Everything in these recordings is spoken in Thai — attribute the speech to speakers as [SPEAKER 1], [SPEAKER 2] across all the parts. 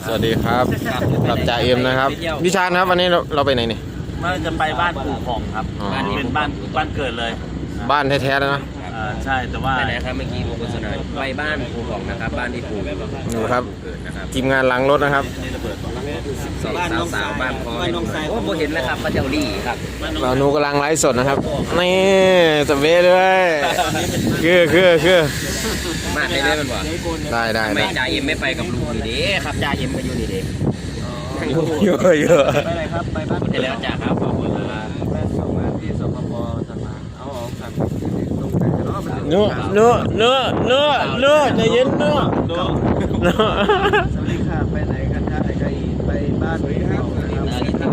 [SPEAKER 1] สวัสดีครับกับจ่าเอ็มนะครับวิชาญครับวันนี้เราไปไหนนี่
[SPEAKER 2] ว่าจะไปบ้านปู่ของครับบ้านนี้เป็นบ้านเกิดเลย
[SPEAKER 1] บ้านแท้ๆแล้วนะ
[SPEAKER 2] ใช่แต่ว่า
[SPEAKER 3] ไปไหนครับเมื่อกี้โฆษณาไปบ้านปู่ของนะครับบ้านที่ปู่
[SPEAKER 1] ดูครับทีมงานหลังรถนะครับ
[SPEAKER 3] สาวบ้านพ่อโอ้โหเห็นแล้วครับพระเจ้าลี่ครับ
[SPEAKER 1] เราหนูกำลังไลฟ์สดนะครับนี่สเปซด้วยคือ
[SPEAKER 3] มาได้เลยมันวะ
[SPEAKER 1] ได้
[SPEAKER 3] ไม่จ่าเอ็มไม่ไปกับลุงนี่เด้ครับจ่าเอ็มก็อยู่นี่เด้
[SPEAKER 1] เยอะ
[SPEAKER 2] ไปไหนครับไปบ้าน
[SPEAKER 3] ไปแล้วจ่าครับขอบคุณครับ
[SPEAKER 2] แม่ส่งมาที่สปปจะมาเอาครับ
[SPEAKER 1] เนื้อใจเย็นเนื้อ
[SPEAKER 2] สวัสดีค่ะไปไหนกันคะไอ้ไปบ้านปู่ของนะครับ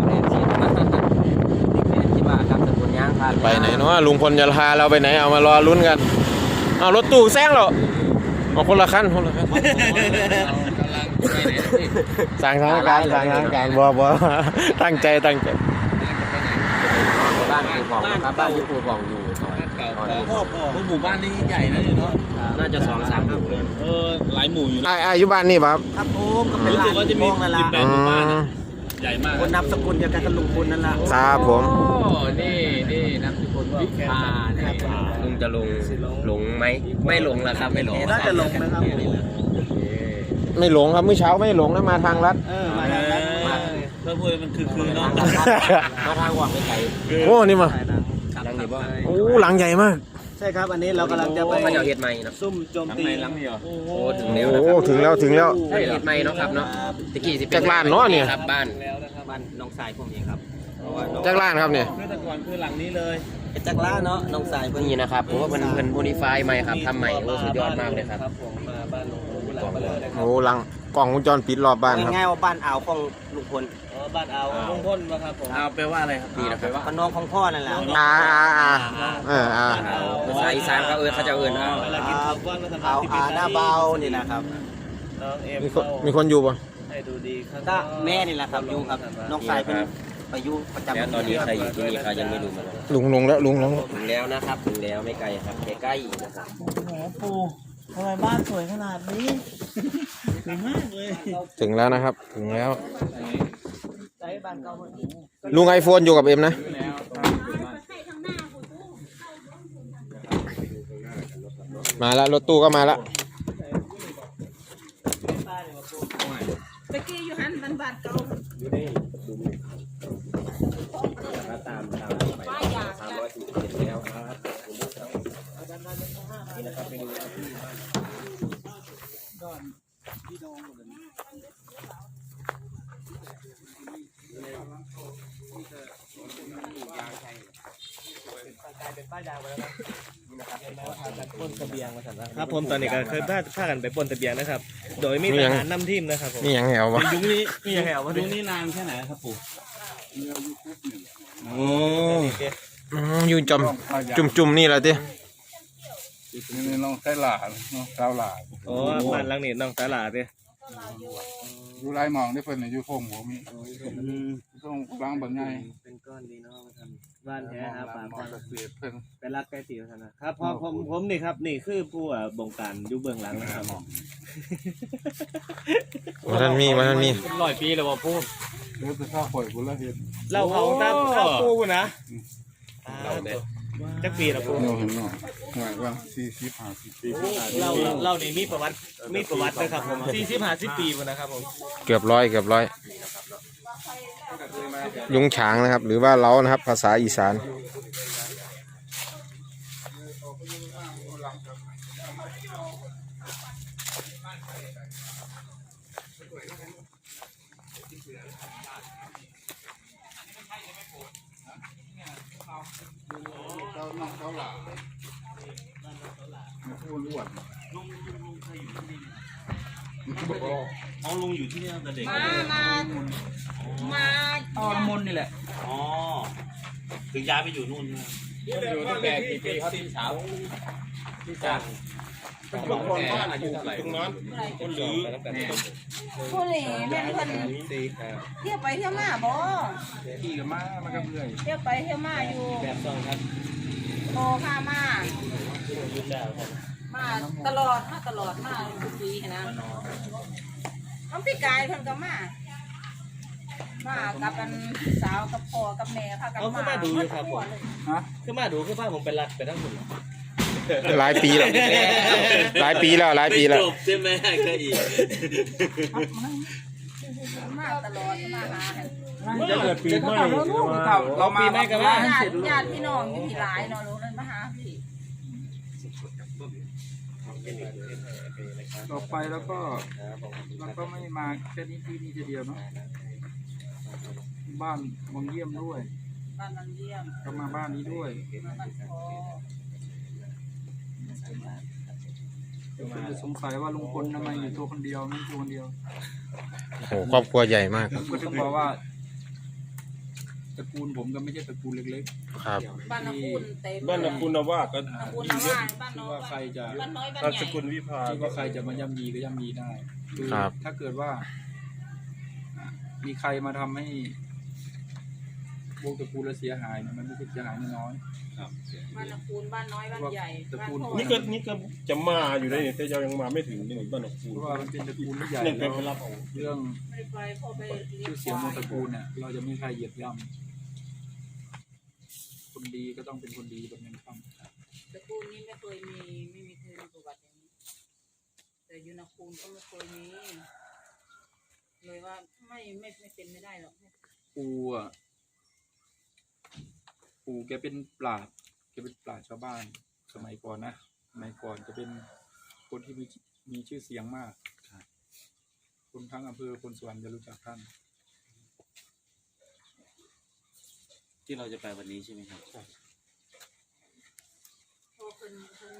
[SPEAKER 3] คิดว่าครับสกุลย่างพา
[SPEAKER 1] ไปไหนเนาะลุงพลจะพาเราไปไหนเอามารอลุ้นกันเอารถตู้แซงเหรอเอาคนละคันสั่งทางการบัวตั้งใจ
[SPEAKER 3] บ้านปู่ของนะครับบ้านที่ปู่ของอยู่
[SPEAKER 2] พ่อหมู่บ้านนี้ใหญ่นะเนาะ
[SPEAKER 3] น่าจะ2-3 หมู่
[SPEAKER 2] หลายหมู่อยู่นะ
[SPEAKER 1] อายุบ้านนี่ป่ะ
[SPEAKER 2] ครับผมก็เป็นหลายหมู่นั่นแหละ18 หมู่บ้านใหญ่มากคนนับสกุลเดียวกันกับลุงพลนั่นแหละ
[SPEAKER 1] ครับผม
[SPEAKER 3] นี่นับสกุลวิภาลุงจะหลงไหมไม่หลงแล้วครับไม่หลง
[SPEAKER 2] น่าจะหลงนะครับ
[SPEAKER 1] ไม่หลงครับเมื่อเช้าไม่หลงนะมาทางลัด
[SPEAKER 2] มาทางลัดเพื่อพูดมันคือเนาะ
[SPEAKER 3] มาทางวังไม่ไกล
[SPEAKER 1] โอ้นี่มา
[SPEAKER 3] หลังนี้บ้าง
[SPEAKER 1] โอ้หลังใหญ่มาก
[SPEAKER 2] ใช่ครับอันนี้เรากำลังจะไป
[SPEAKER 3] พระเจ้าเฮ็ดใหม่นะ
[SPEAKER 2] ซุ่มโจมตีหลังนี้
[SPEAKER 3] โอ้ถึงแล้ว
[SPEAKER 1] ถึงแล้ว
[SPEAKER 3] เฮ็ดใหม่เนาะครับเนาะตะกี้สิ
[SPEAKER 1] จากล้านเนาะเนี่ย
[SPEAKER 3] ครับบ้านน้องสายผมเองครับ
[SPEAKER 1] จากล้านครับเนี่ย
[SPEAKER 2] คือแต่ก่อนคือหลังนี้เลยเป็นจากล้านเนาะน้องสาย
[SPEAKER 3] เพิ่นนี่นะครับผมว่าเพิ่นโมดิฟายใหม่ครับทำใหม่โอ้สุดยอดมากเลยครับ
[SPEAKER 2] ผมมาบ้านลุงพล
[SPEAKER 1] โอ้หลังกล่องวงจรปิดรอบบ้านครับ
[SPEAKER 3] ง่ายๆว่าบ้านอ่าวของลุงพล
[SPEAKER 2] บ้านอ่าวลุงพลนะครับผมอ่าวแปลว่าอะไรครับ
[SPEAKER 3] นี่นะแปลว่าน้องของพ่อนั่นแหละภาษาอีสานเขาจะอ่าวหน้าเบานี่นะครับ
[SPEAKER 2] น้องเอ็ม
[SPEAKER 1] มีคนอยู่ป่ะ
[SPEAKER 2] ให้ดูดี
[SPEAKER 3] ครับแม่นี่แหละครับอยู่ครับน้องสายเป็นไปอยู่ประจำแล้วตอนนี้ใครอยู่ที่นี่ใครยังไม่รู้มา
[SPEAKER 1] ลุงลงแล้ว
[SPEAKER 3] ถึงแล้วนะครับถึงแล้วไม่ไกลครับใกล้ๆนะครับ
[SPEAKER 2] โอ้โหปู่ทำไมบ้านสวยขนาดนี้สวยมากเลย
[SPEAKER 1] ถึงแล้วนะครับถึงแล้วลุงไอโฟนอยู่กับเอ็มนะมาแล้วรถตู้ก็มาแล้ว
[SPEAKER 4] ตะกี้อยู่หันบ้านเก่า
[SPEAKER 3] ตามไป347แล้วครับนี่นะครับเป็นที่ดอน
[SPEAKER 2] ป้นทะเบียงมาสั่นครับผมตอนนี้ก็เคยพากันไปป้นทะเบียงนะครับโดยมีทหารนำทีมนะครับผม
[SPEAKER 1] นี่ยังแหววะ
[SPEAKER 2] ยุคนี้นี่ยังแหววะยุคนี้นานแค่ไหนครับปู่
[SPEAKER 1] โอ้อยู่จุ่มนี่แหละที
[SPEAKER 5] นี่น้องไต้หลาน้องสาวหลา
[SPEAKER 2] โอ้บ้านหลังนี้น้องไต้หลาดิ
[SPEAKER 5] อยู่ไรมองได้เพิ่นอยู่โค้งหัวมีต้องล้างบางไง
[SPEAKER 2] เป็นก้อนดีเนาะบ้านแท้ครับป่าเพิ่นเป็นรักใกล้ตีกันนะครับพอผมนี่ครับนี่คือผู้บงการอยู่เบื้องหลังนะครับ
[SPEAKER 1] มันมี
[SPEAKER 2] 100 ปีแล้วว่าพูด
[SPEAKER 5] เดี๋ยวจะข้าวข่อยบุญละเห็น
[SPEAKER 2] เราเผาตามข้าวปูนะจักปีละปู
[SPEAKER 5] เราเห็นเนาะหมายว่า40-50 ปี
[SPEAKER 2] เรานี่มีประวัตินะครับผม40-50 ปีนะครับผม
[SPEAKER 1] เกือบร้อยยุงฉางนะครับหรือว่าเล้านะครับภาษาอีสาน
[SPEAKER 2] ลุงอยู่ที่นี่ตั้งแต่เด็ก
[SPEAKER 4] มา
[SPEAKER 2] อ๋อมนนี่แหละอ๋อถึงย้ายไปอยู่นู่น
[SPEAKER 3] อยู่ตั้งแต่กี่ปีเขาที่สาวที่จัง
[SPEAKER 2] บางคนก็อายุเท่าไหร่ตรงนั้นคนหรือ
[SPEAKER 4] ผู้เหล่แม่คนเที่ยวไปเที่ยวมาบ่
[SPEAKER 5] ขี่กันมามันก็เมื่อย
[SPEAKER 4] เที่ยวไปเที่ยวมาอยู่
[SPEAKER 2] แบบซองครับ
[SPEAKER 4] โตข้ามาตลอดมาทุกปีนะน้องพี่กายเพิ่นก็มากับอันสาวกับพ่อกับแม่พากัน
[SPEAKER 2] เอาขึ้นมาดูอยู่ครับผม
[SPEAKER 5] ฮะ
[SPEAKER 2] ขึ้นมาดูขึ้นมาผมไปรัดไปทั้งหมด
[SPEAKER 1] หลายปีแล้วหลายปีแล้ว
[SPEAKER 2] จบใช่ไหมก็อีก
[SPEAKER 4] มาตลอดมาหา
[SPEAKER 5] จะเกิดปีใหม่เรามาไม่กันว่าให้เสร็จ
[SPEAKER 4] ญาติพี่น้องอยู่ที่หลายเนาะลูกเลยมาหาพี่
[SPEAKER 5] ต่อไปแล้วก็ไม่มาแค่นี้ที่นี่ทีเดียวเนาะบ้านวังเยี่ยมด้วย
[SPEAKER 4] บ้านนันเยี่ยม
[SPEAKER 5] ก็มาบ้านนี้ด้วย
[SPEAKER 4] มาบ้านพอ
[SPEAKER 5] คนจะสงสัยว่าลุงพลทำไมอยู่ตัวคนเดียวไม่ตัวคนเดียว
[SPEAKER 1] โอ้โหครอบครัวใหญ่มาก
[SPEAKER 5] ผมก็ถึงบอกว่าตระกูลผมก็ไม่ใช่ตระกูลเล็ก
[SPEAKER 1] ครับ
[SPEAKER 4] บ้านนักคุณเต็ม
[SPEAKER 6] บ้านนักคุณว่าก็
[SPEAKER 4] นักคุณนะว่าบ้าน
[SPEAKER 5] ๆ
[SPEAKER 4] น้
[SPEAKER 5] ที่
[SPEAKER 4] อย
[SPEAKER 5] ว่าใครจะ
[SPEAKER 4] บ้านน้อยบ้าน
[SPEAKER 6] นาม
[SPEAKER 4] ให
[SPEAKER 6] ส
[SPEAKER 4] ญ่
[SPEAKER 6] กุลวิภา
[SPEAKER 5] ที่ว่าใครจะมาย่ำยีก็ย่ำยีได้คือ
[SPEAKER 1] ครับ
[SPEAKER 5] ถ้าเกิดว่า มีใครมาทำให้วงตระกูลเราเสียหายเนี่ยมันไม่ใช่เสียหายน้อย
[SPEAKER 4] บ้านนักคุณบ้านน้อยบ้านใหญ่บ้านพ่อ
[SPEAKER 6] นี่ก็จะมาอยู่ได้เนี่ยแต่ยังมาไม่ถึงนี่บ้านนัก
[SPEAKER 5] ๆ
[SPEAKER 6] คุ
[SPEAKER 5] เพ
[SPEAKER 6] ณ
[SPEAKER 5] ราะว่ามันเป็นตระกูลที่ใหญ่
[SPEAKER 6] เนี่ย
[SPEAKER 5] แล้
[SPEAKER 6] เป็น
[SPEAKER 5] ว
[SPEAKER 6] ไปรับเอา
[SPEAKER 5] เรื่อง
[SPEAKER 4] ไม่ไปพ่อไปเลี้ย
[SPEAKER 5] ชื่
[SPEAKER 4] ง
[SPEAKER 5] อเสียงของตระกูลเนี่ยเราจะไม่มีใครเหยียบย่ำคนดีก็ต้องเป็นคนดีแบบนั้นครับ
[SPEAKER 4] ตระกูลนี้ไม่เคยมีประวัติอย่างนี้แต่ยูนักคุณก็ไม่เคยมีเลยว่าไม่เป็นไม่ได้หรอก
[SPEAKER 5] ปู่แกเป็นปราชญ์ชาวบ้านสมัยก่อนนะสมัยก่อนจะเป็นคนที่มีชื่อเสียงมากคนทั้งอำเภอคนสวรรค์จะรู้จักท่าน
[SPEAKER 2] ที่เราจะไปวันนี้ใช่ไหมครับ
[SPEAKER 4] พอคน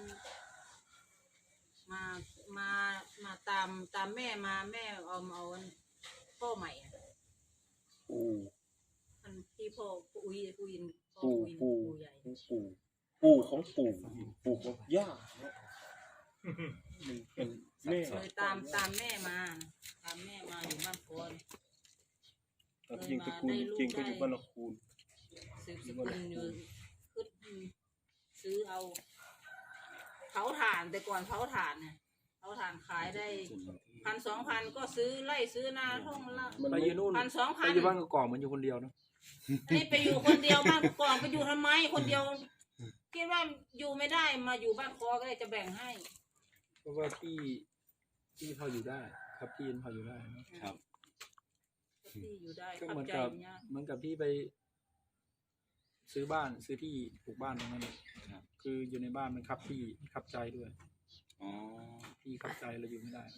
[SPEAKER 4] มาตามแม่มาแม่เอาพ่อใหม่อันที่พ่ออุ้ยพ่ออุ้ยปู่ใหญ่
[SPEAKER 6] ปู่ของปู่ของย่าเป็นแม่
[SPEAKER 4] เลยตามแม่มาอยู่บ้านโพน
[SPEAKER 6] จริงตระกูลจริงก็อยู่บ้านนักคุณ
[SPEAKER 4] สืบสกุลอยู่ขึ้นซื้อเอาเผาถ่านแต่ก่อนเผาถ่านเนี่ยเผาถ่านขายได้1,000-2,000ก็ซื้อไล่ซื้อนาท่องละ
[SPEAKER 5] ไปอยู่นู่นไป
[SPEAKER 4] 1,000-2,000
[SPEAKER 5] อยู่บ้านกอกๆเหมือนอยู่คนเดียวเนาะ
[SPEAKER 4] นี่ไปอยู่คนเดียวบ้านก่อนไปอยู่ทำไมคนเดียวคิดว่าอยู่ไม่ได้มาอยู่บ้านคอก็เลยจะแบ่งให้
[SPEAKER 5] เพราะว่าที่พออยู่ได้ครับที่พออยู่ได้นะครับ
[SPEAKER 4] ที่อยู่ได้
[SPEAKER 5] ก็
[SPEAKER 4] ขั
[SPEAKER 5] เหมือน
[SPEAKER 4] ใจ
[SPEAKER 5] กับ
[SPEAKER 4] เนี่ย
[SPEAKER 5] ที่ไปซื้อที่ปลูกบ้านตรงนั้นคืออยู่ในบ้านมันคับที่คับใจด้วยที่คับใจเราอยู่ไม่ได้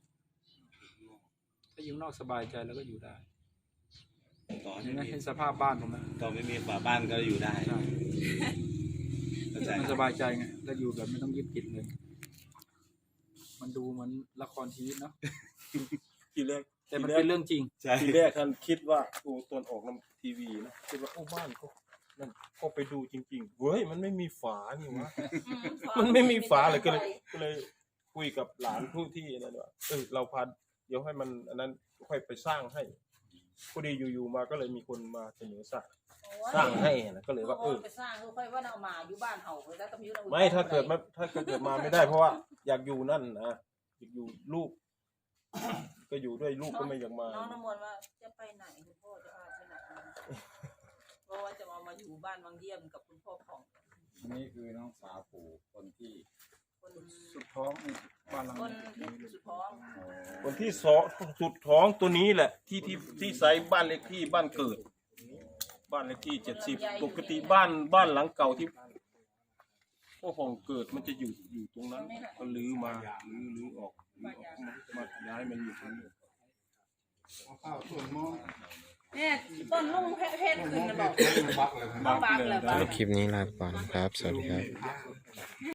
[SPEAKER 5] ถ้าอยู่นอกสบายใจแล้วก็อยู่ได้
[SPEAKER 2] ต่อ
[SPEAKER 5] นี่นะเห็นสภาพบ้านผมนะ
[SPEAKER 2] ต่อไม่มีฝาบ้านก็อยู่ได้
[SPEAKER 5] ใช่มันสบายใจไงแล้วอยู่แบบไม่ต้องยึดติดเลย มันดูเหมือนละครชีวิตเนาะ
[SPEAKER 6] ทีแรก
[SPEAKER 5] แต่มันเป็นเรื่องจริง
[SPEAKER 6] ทีแรกท่านคิดว่าโอ้ตอนออกน้ำทีวีนะคิดว่าโอ้บ้านก็นั่นก็ไปดูจริงๆเว้ยมันไม่มีฝานี่วะ มันไม่มีฝาเลยก็เลยคุยกับหลานผู้ที่นั่นว่าเราพาเดี๋ยวให้มันอันนั้นค่อยไปสร้างให้พอดีอยู่ๆมาก็เลยมีคนมาเสนอสร้างให้นะก็เลยว่า
[SPEAKER 4] ไปสร้างค่อยว่าเอามาอยู่บ้านเฮาแล้วก็มี
[SPEAKER 6] ไม่ถ้าเกิดมาไม่ได้เพราะว่าอยากอยู่นั่นนะอยากอยู่ลูก ก็อยู่ด้วยลูกก็ไม่อยากมา
[SPEAKER 4] น้องน้ำมนต์ว่าจะไปไหนคุณพ่อจะพาไปไหนเพราะว่าจะมาอยู่บ้านวังเยี่ยมกับคุณพ่อของ
[SPEAKER 5] นี่คือน้องสาวปู่คนที่สุดท้องบ้านหลัง
[SPEAKER 4] คนที่สุดท้อง
[SPEAKER 6] คนที่สองสุดท้องตัวนี้แหละที่ใส่บ้านเลขที่บ้านเกิด บ้านเลขที่70ปกติบ้านหลังเก่าที่พ่อของเกิดมันจะอยู่ตรงนั้นก็ลื้อมาลื้อออกมาย้ายมันอยู่ตรงนี้
[SPEAKER 5] ข้าวส่วนหม้อ
[SPEAKER 4] เนี่ยต้นลุงเพชรขึ้นนะบอก
[SPEAKER 5] บักเลย
[SPEAKER 4] บักเลย
[SPEAKER 1] คลิปนี้ลาไปก่อนครับ สวัสดีครับ